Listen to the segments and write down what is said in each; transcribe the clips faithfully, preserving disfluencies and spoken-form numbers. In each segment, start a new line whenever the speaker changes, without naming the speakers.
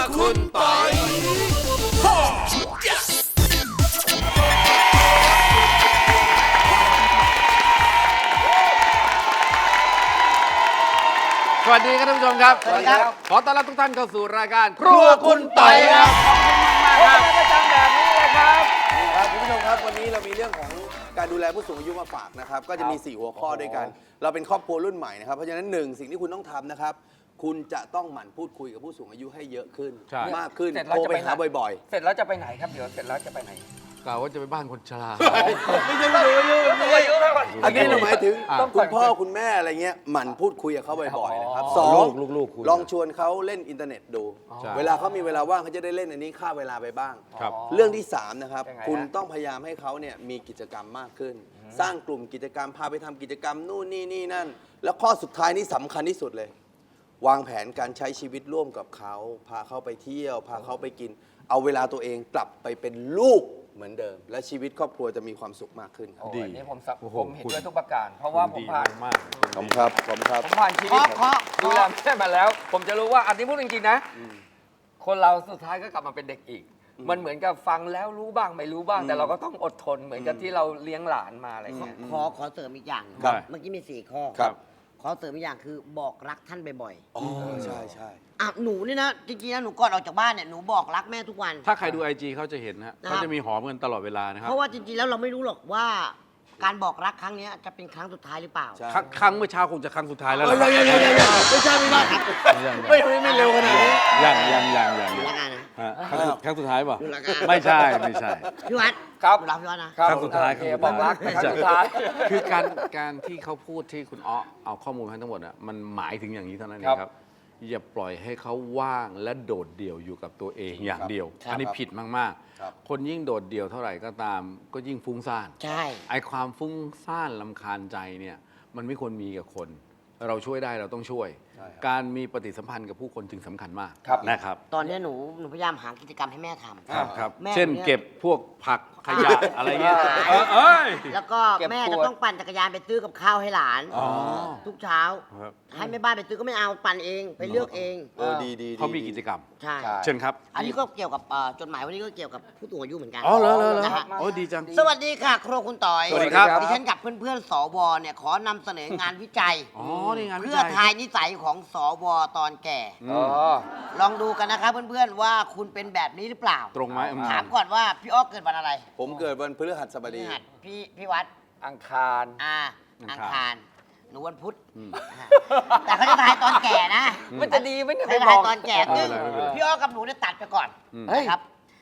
คุณปอย
สวัสดีครับท่านผู้ชมครับ
สวัสดีครับ
ขอต้อนรับทุกท่านเข้าสู่รายการ
ครัวคุณปอยครับ
ขอบคุณมากๆครับประจำแบบนี้เลยครับ
ครับคุณผู้ชมครับวันนี้เรามีเรื่องของการดูแลผู้สูงอายุมาฝากนะครับก็จะมีสี่หัวข้อด้วยกัน เราเป็นครอบครัวรุ่นใหม่นะครับเพราะฉะนั้นหนึ่งสิ่งที่คุณต้องทำนะครับคุณจะต้องหมั่นพูดคุยกับผู้สูงอายุให้เยอะขึ้น
ใช่
มากขึ้น
เสร็จแล้ว
โทร
จะ
ไป
ไป
หาบ่อย
เสร็จแล้วจะไปไหนครับเดี๋ยวเสร็จแล้วจะไปไหน
กล่าวว่าจะไปบ้านคนชรา
ๆไม่ใช่ผู้สูงอายุอันนี้เราหมายถึง
อ่ะ
คุณพ่อคุณแม่อะไรเงี้ยหมั่นพูดคุยกับเขาบ่อยๆนะครับสอง
ลูกลูกๆคุณ
ลองชวนเขาเล่นอินเทอร์เน็ตดู
ใช่
เวลาเขามีเวลาว่างเขาจะได้เล่นอันนี้ฆ่าเวลาไปบ้าง
ครับ
เรื่องที่สามนะครับ
ยังไงฮะ
คุณต้องพยายามให้เขาเนี่ยมีกิจกรรมมากขึ้น สร้างกลุ่มกิจกรรมพาไปทำกิจกรรมนู่นนี่นี่นั่น แล้วข้อสุดท้ายนี่สำคัญที่สุดเลย วางแผนการใช้ชีวิตร่วมกับเขาพาเขาไปเที่ยว พาเขาไปกิน เอาเวลาตัวเองกลับไปเป็นลูกเหมือนเดิม และชีวิตครอบครัวจะมีความสุขมากขึ้นครับ
โอ้
ดี
ยนี่ผมสับ
โอ้โห
ผมเห็น
คุณ
ด้วยทุกประการ เพราะว่าผม
ดี
ผ่าน
มาก
ขอบคุณครับขอบคุณครับ
ผมผ่านชีวิต
เคาะเคาะ
ดูแลแม่มาแล้ว ผมจะรู้ว่าอันนี้พูดจริงๆนะ คนเราสุดท้ายก็กลับมาเป็นเด็กอีก มันเหมือนกับฟังแล้วรู้บ้างไม่รู้บ้าง แต่เราก็ต้องอดทนเหมือนกับที่เราเลี้ยงหลานมาอะไรเงี้ย
ขอขอเสริมอีกอย่าง
ครับ
เมื่อกี้มีสี่ข้อ
ครับ
ขอเสริมอีกอย่างคือบอกรักท่านบ่อย
อ๋อใช่ใช่
ๆอ่ะหนูนี่นะจริงๆนะหนูก่อนออกจากบ้านเนี่ยหนูบอกรักแม่ทุกวัน
ถ้าใครดูไอจีเขาจะเห็นนะฮะ
นะครับ
เขาจะมีหอมกันตลอดเวลานะครับ
เพราะว่าจริงๆแล้วเราไม่รู้หรอกว่า การบอกรักครั้งเนี้ยจะเป็นครั้งสุดท้ายหรือเปล่า
ใช่
ครั้งครั้งเมื่อเช้าคงจะครั้งสุดท้ายแล้ว
เอ้
ล่ะ
ยยังยังยังยังไม่ใช่ไม่ได้
ยัง
ไม่ไม่ไม่เร็วขนาดนี้
ยังยังยังยัง
ดู
ยัง
ละกันนะ
ฮะครั้งสุดครั้งสุดท้ายป่ะ
ดูละกัน
ไม่ใช่ไม่ใช่
พี่วัด
ครับ
หนูรักพี่วัดนะ
ครับ
ครั้งสุดท้าย
โอเคบอกรักแต่ครั้งสุด
ใช่
ท้าย
คือการการที่เขาพูดที่คุณอ้อเอาข้อมูลให้ทั้งหมดอ่ะมันหมายถึงอย่างนี้เท่านั้นเองครับ อย่าปล่อยให้เขาว่างและโดดเดี่ยวอยู่กับตัวเองอย่างเดียว
ครับ
อันนี้ผิดมาก
ครับ
ๆ คนยิ่งโดดเดี่ยวเท่าไหร่ก็ตาม ก็ยิ่งฟุ้งซ่าน
ใช่
ไอความฟุ้งซ่านลำคาญใจเนี่ยมันไม่ควรมีกับคน เราช่วยได้เราต้องช่วย
ใช่ครับ
การมีปฏิสัมพันธ์กับผู้คนจึงสำคัญมาก
ครับ
นะครับ
ตอนเนี้ยหนูหนูพยายามหากิจกรรมให้แม่ทำ
ครับครับ
แม่
เช่น
เนี่ย
เก็บพวกผักขยะอะไรเงี้ย
ขาย
เออเอ้ย
แล้วก็
เก็บ
แม่
ข
จะ
วด
ต้องปั่นจักรยานไปซื้อกับข้าวให้หลาน
อ๋อ
ทุกเช้า
ครับ
ให้แม่บ้านไปซื้อก็ไม่เอาปั่นเองไปเลือกเอง
เออดีดีดี
เขามีกิจกรรม
ใช่
ใช่
เชิญครับ
อันนี้ก็เกี่ยวกับเอ่อจดหมายวันนี้ก็เกี่ยวกับผู้สูงอายุเหมือนกัน
อ๋อเหรอเหรอเหรอ
นะฮะ
โอ้ดีจัง
สวัสดีค่ะครัวคุณต่อย
สวัสดีครับ
ดิฉันกับเพื่อนๆสวเนี่ยขอนำเสนองานวิจัย
อ๋อนี่งานวิ
เพื่อ
จัย
ทายนิสัยของสวตอนแก่
อ๋อ
ลองดูกันนะครับเพื่อนๆว่าคุณเป็นแบบนี้หรือเปล่า
ตรงไหมอืม
ถามก่อนว่าพี่อ้อเกิดวันอะไร
ผมเกิดวันพฤหัสบ
พฤ
ดี
หัสพี่พี่วัด
อังคาร
อ่า
อั
อั
ง
ง
คาร
คารหนูวันพุธอ่าแต่เขาจะทายตอนแก่นะ
มันจะดีไหมเนี่ย
เขา
ไป
จะ
บ
ทาย
อก
ตอนแก่
เออ
ซึ่ง
ไม่เป็นไร
พี่อ้อกับหนูเนี่ยตัดไปก่อน
เฮ้ย
นะครับ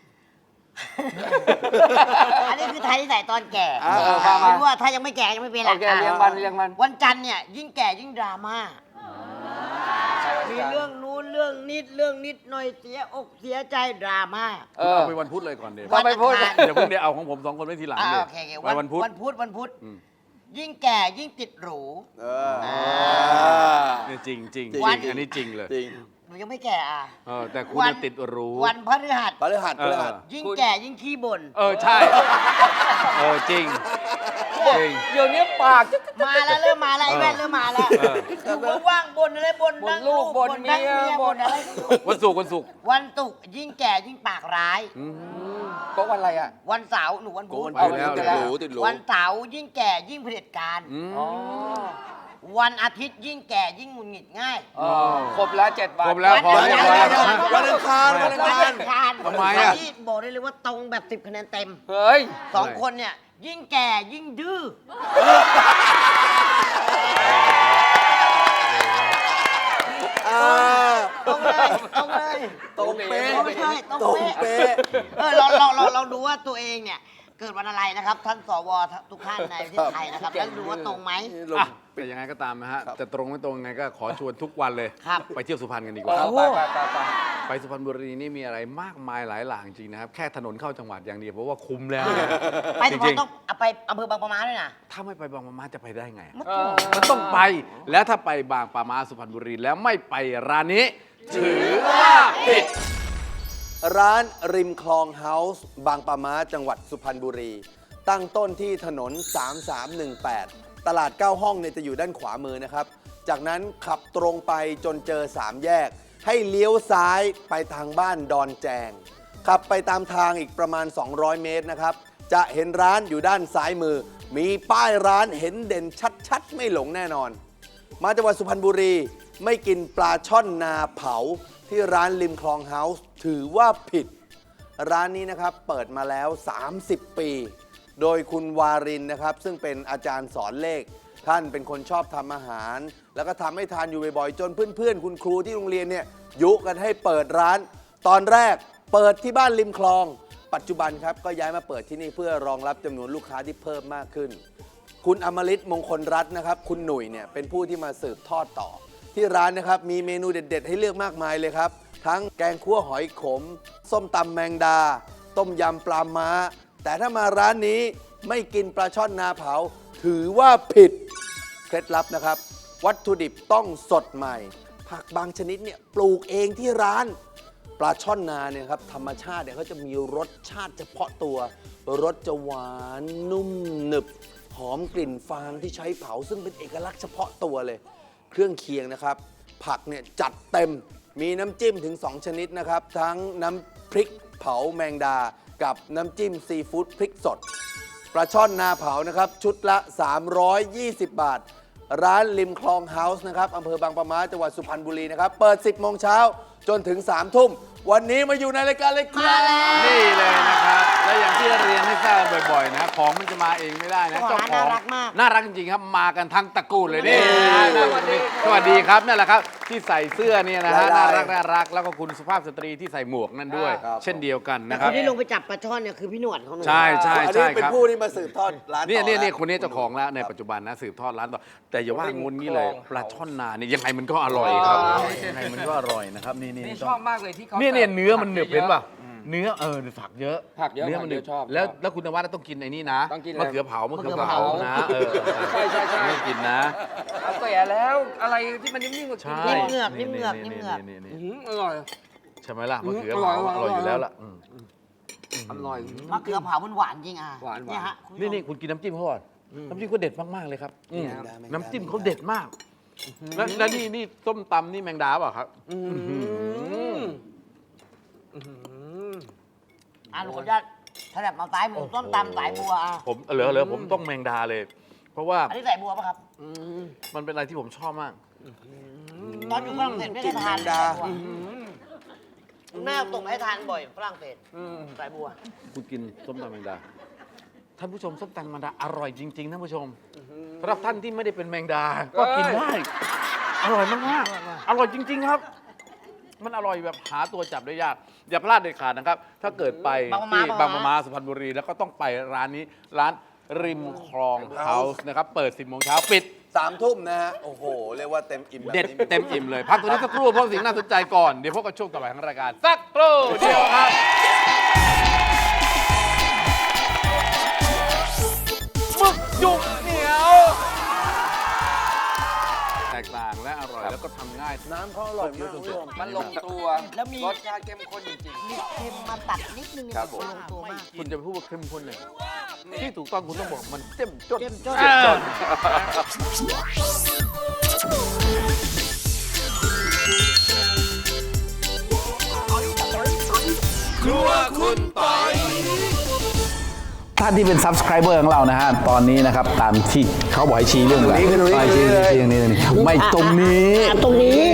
อันนี้คือทายนิสัยตอนแก่
เออมามา
ไม่รู้ว่าถ้ายังไม่แก่ยังไม่เป็น
โอเค
อ่ะ
เรียงวันเรียงวัน
วันจันทร์เนี่ยยิ่งแก่ยิ่งดราม่ามีเรื่องนู้นเรื่องนิดเรื่องนิดหน่อยเสียอกเสียใจดราม่า
เอ
คุณ
อ
เอาไปวันพุธเลยก่อนเดี๋ยว
ก็ไม่พูด
วันอังคาร
เดี๋ยวพรุ่งนี้เอาของผมสองคนไว้ทีหลัง
อ่า
เลย
โอเคโอเค
ไว้วันพุธ
วันพุธวันพุธ
อืม
ยิ่งแก่ยิ่งติดหรู
เออ
เนี่ยจริงจริง
จริง
จริงอันนี้จริงเลย
จริง
หนูยังไม่แก่อ่ะ
เออแต่คุณ
วั
น่ะติดรู้
วันพฤหัส
พฤหัสพฤหัส
เออ
ยิ่งแก่ยิ่งขี้บ่น
เออใช่ เออจริงจริง
เดี๋ยวนี้ปากจะ
มาแล้วเริ่มมาแล้วไอ้แว่นเริ่มมาแล้ว
เออ
อยู่ว่างๆบ่นอะไรบ่น
บ่น
ทั้ง
ลูกบ่น
ทั้ง
เมียบ่
บ่น
น
อะไร
วันศุกร์วันศุกร์
วันศุกร์ยิ่งแก่ยิ่งปากร้าย
อืม
ก็วันอะไรอ่ะ
วันเสาร์หนูวัน
โก
พุธ
น
เอา
ติด
แล้ว
ติด
แล้ว
หรูติดหรู
วันเสาร์ยิ่งแก่ยิ่งเผด็จการ
อืม
อ๋อ
วันอาทิตย์ยิ่งแก่ยิ่งหงุดหงิดง่าย
อ๋อครบแล้วเจ็ดวัน
ครบแล้วพอ
เดี๋
แล้
ยว ว
พอ
เดี๋
แล้ว
ยว
วันอังคารวันอัง
วัน
คาร
อังคาร
ทำไมอะ
ที่บอกได้เลยว่าตรงแบบสิบคะแนนเต็ม
เฮ้ย
สองคนเนี่ยยิ่งแก่ยิ่งดื้อตรงเลยตรงเลย
ตรงเป๊ะ
ไม่ใช่ตรง
ตรง
เป๊ะ
เป๊ะ
เออเราเราเราเราดูว่าตัวเองเนี่ยเกิดวันอะไรนะครับ ท่านสวทุกท่านในประเทศไทยนะครับแล้วดูว่าตรงไหม
ลง
อ่ะแต่ยังไงก็ตามนะฮะ
ครับ
จะตรงไม่ตรงยังไงก็ขอชวนทุกวันเลย
ครับ
ไปเที่ยวสุพรรณกันดีกว่า
เอาไปไปไปไป
ไปสุพรรณบุรีนี่มีอะไรมากมายหลายหลางจริงนะครับ แค่ถนนเข้าจังหวัดอย่างเดียวเพราะว่าคุ้มแล้วนะ
ไป
จ
สุพรร
ริ
ณ
ง
ต้องเอาไปอำเภอบางปะมาด้วยนะ
ๆถ้าไม่ไปบางปะมาจะไปได้ไง
เออ
มันต้องไป แล้วถ้าไปบางปะมาสุพรรณบุรีแล้วไม่ไปร้านนี้ ถือว่าผิด
ร้านริมคลองเฮาส์บางปะมาจังหวัดสุพรรณบุรี ตั้งต้นที่ถนน สามสามหนึ่งแปด ตลาดเก้าห้องเนี่ยจะอยู่ด้านขวามือนะครับ จากนั้นขับตรงไปจนเจอสามแยกให้เลี้ยวซ้ายไปทางบ้านดอนแจงขับไปตามทางอีกประมาณ สองร้อย เมตรนะครับจะเห็นร้านอยู่ด้านซ้ายมือ มีป้ายร้านเห็นเด่นชัดๆไม่หลงแน่นอน มาจังหวัดสุพรรณบุรีไม่กินปลาช่อนนาเผาที่ร้านริมคลองเฮาส์ถือว่าผิด ร้านนี้นะครับเปิดมาแล้ว สามสิบ ปี โดยคุณวารินนะครับซึ่งเป็นอาจารย์สอนเลข ท่านเป็นคนชอบทำอาหาร แล้วก็ทำให้ทานอยู่บ่อยๆ จนเพื่อนๆ คุณครูที่โรงเรียนเนี่ยยุกันให้เปิดร้าน ตอนแรกเปิดที่บ้านริมคลอง ปัจจุบันครับก็ย้ายมาเปิดที่นี่เพื่อรองรับจำนวนลูกค้าที่เพิ่มมากขึ้น คุณอมฤตมงคลรัตน์นะครับคุณหนุ่ยเนี่ยเป็นผู้ที่มาสืบทอดต่อ ที่ร้านนะครับมีเมนูเด็ดๆ ให้เลือกมากมายเลยครับ ทั้งแกงคั่วหอยขม ส้มตำแมงดา ต้มยำปลาม้า แต่ถ้ามาร้านนี้ไม่กินปลาช่อนนาเผา ถือว่าผิด เคล็ดลับนะครับ วัตถุดิบต้องสดใหม่ ผักบางชนิดเนี่ยปลูกเองที่ร้าน ปลาช่อนนาเนี่ยครับธรรมชาติเนี่ยเขาจะมีรสชาติเฉพาะตัว รสจะหวานนุ่มหนึบ หอมกลิ่นฟางที่ใช้เผาซึ่งเป็นเอกลักษณ์เฉพาะตัวเลย เครื่องเคียงนะครับ ผักเนี่ยจัดเต็มมีน้ำจิ้มถึง สอง ชนิดนะครับ ทั้งน้ำพริกเผาแมงดา กับน้ำจิ้มซีฟู้ดพริกสด ปลาช่อนนาเผานะครับ ชุดละ สามร้อยยี่สิบ บาท ร้านริมคลองเฮาส์นะครับอำเภอบางปะมาจังหวัดสุพรรณบุรีนะครับ เปิด สิบ โมงเช้าจนถึง สาม ทุ่ม วันนี้มาอยู่ในรายการเลยครับ
นี่เลยนะครับ และอย่างที่เรียนให้ทราบบ่อยๆนะของมันจะมาเองไม่ได้นะ
เจ้าของร้านน่ารักมาก
น่ารักจริงๆครับมากันทั้งตระกูลเลยนี่สวัสดีสวัสดีครับนั่นแหละครับที่ใส่เสื้อเนี่ยนะฮะ
ลา
น่าย รักน่ารักแล้วก็คุณสุภาพสตรีที่ใส่หมวกนั่นด้วย
ครับ
เช่นเดียวกัน
แต่
นะค
ครับ นที่ลงไปจับปลาช่อนเนี่ยคือพี่หนวดของหนู
ใช่ใช่
อัน
ใช่
นี้เป็น
ครับ
ผู้ที่มาสืบทอดร้านต่อ
เนี่ยเนี่ยเนี่ย
ะ
คนนี้เจ้าของแล้วในปัจจุบันนะสืบทอดร้านต่อแต่อย่าว่างุนงี้เลยปลาช่อนนาเนี่ยยังไงมันก็อร่อยครับยังไงมันก็อร่อยนะครับนี่นี่
นี่ชอบมากเลยที่เขา
เนี่ยเนี่ย
สิร์ฟ
เนื้อมันหนึบ
ผัก
เห็น
ยอะ
ป่ะเนื้อเออผักเยอะ
ผักเยอะ
เนื้อมันหนึบ
ผักเยอะชอบ
แล้ว
ชอบ
แล้วคุณนวัดต้องกินไอ้นี่นะ
ต้องกินอะไร
มะเขือเผามะเขือ
มะเขือ
เผา
เผา
นะเออ
ใช่ใช่ใช่
ไม่กินนะ
เอาแก่แล้วอะไรที่มันนิ่มๆกว่ากิน
ใช่
นิ่มเหงือกนิ่มเหงือกนิ่มเหงือก
นี่ๆๆ
อื้อหืออร่อย
ๆใช่ไหมล่ะมะเขือ
อร่
เผา
อยอร่อย
อร่อยอยู่แล้วล่ะอืม
อร่อย
มะเขือเผามันหวานจริงอ่ะ
หวานๆ
เนี่ยฮะคุณผู้ชม
นี่นี่คุณกินน้ำจิ้มเขาก่อนน้ำจิ้มเขาเด็ดมากๆเลยครับอืม
แมงดาแมงดา
น้ำจิ้มเขาเด็ดมากแล้วแล้วนี่นี่ส้มตำนี่แมงดาเปล่ะครับ
อืม
อ่ะหนูขออนุญาตถนัดมาสายหมูต้มตำสายบัวอ่ะ
ผมเหลือเหลือผมต้องแมงดาเลย เพราะว่า
อันนี้สายบัวป่ะครับ
มันเป็นอะไรที่ผมชอบมาก
ตอนอยู่ฝรั่งเศสไม่ได้ทาน
กินแมงดา
สายบัวคุณแม่ตกให้ทานบ่อยฝรั่งเศสสายบัว
คุณกินส้มตำแมงดา ท่านผู้ชมส้มตำแมงดาอร่อยจริงๆท่านผู้ชมสำหรับท่านที่ไม่ได้เป็นแมงดา ก็กินได้ อร่อยมากๆอร่อยจริง ๆครับ มันอร่อยแบบหาตัวจับได้ยาก อย่าพลาดเด็ดขาดนะครับ ถ้าเกิดไป
บางมะม้า
ที่บางมะมาสุพรรณบุรี แล้วก็ต้องไปร้านนี้ ร้านริมคลองเฮาส์นะครับ เปิด สิบ โมงเช้าปิด
สามทุ่มนะฮะ โอ้โห เรียกว่าเต็มอิ่มแบบ
เด็ด
นี้
เต็มอิ่มเลย พักตัวนี้สักครู่เพราะสิ่งน่าสนใจก่อน เดี๋ยวพบกับช่วงต่อไปของรายการ สักครู่เดียวครับหมึกจุกเหนียว แตกต่างและอร่อยแล้วก็ทำง่าย
น้ำเขาอร่อยมากคุณผู้ชม
มันลงตัว
แล้วมี
รสชาติเข้มข้นจริง
มีเค็มมาตัดนิดนึง
ครับผม
ลงตัวมาก
คุณจะไปพูดว่าเข้มข้นเนี่ยที่ถูกต้องคุณต้องบอกมันเจ้มจน
เจ้มจ้น
อ่า
ครัวคุณปอย
ท่านที่เป็น subscriber ของเรานะฮะ ตอนนี้นะครับ ตามที่เขาบอกให้ชี้เรื่องอะไร
ตรงนี้คือตรงนี้
ชี้ชี้ชี้ตรงนี้ตรงนี้ไม่ตรงนี้
อ่ะตรงนี้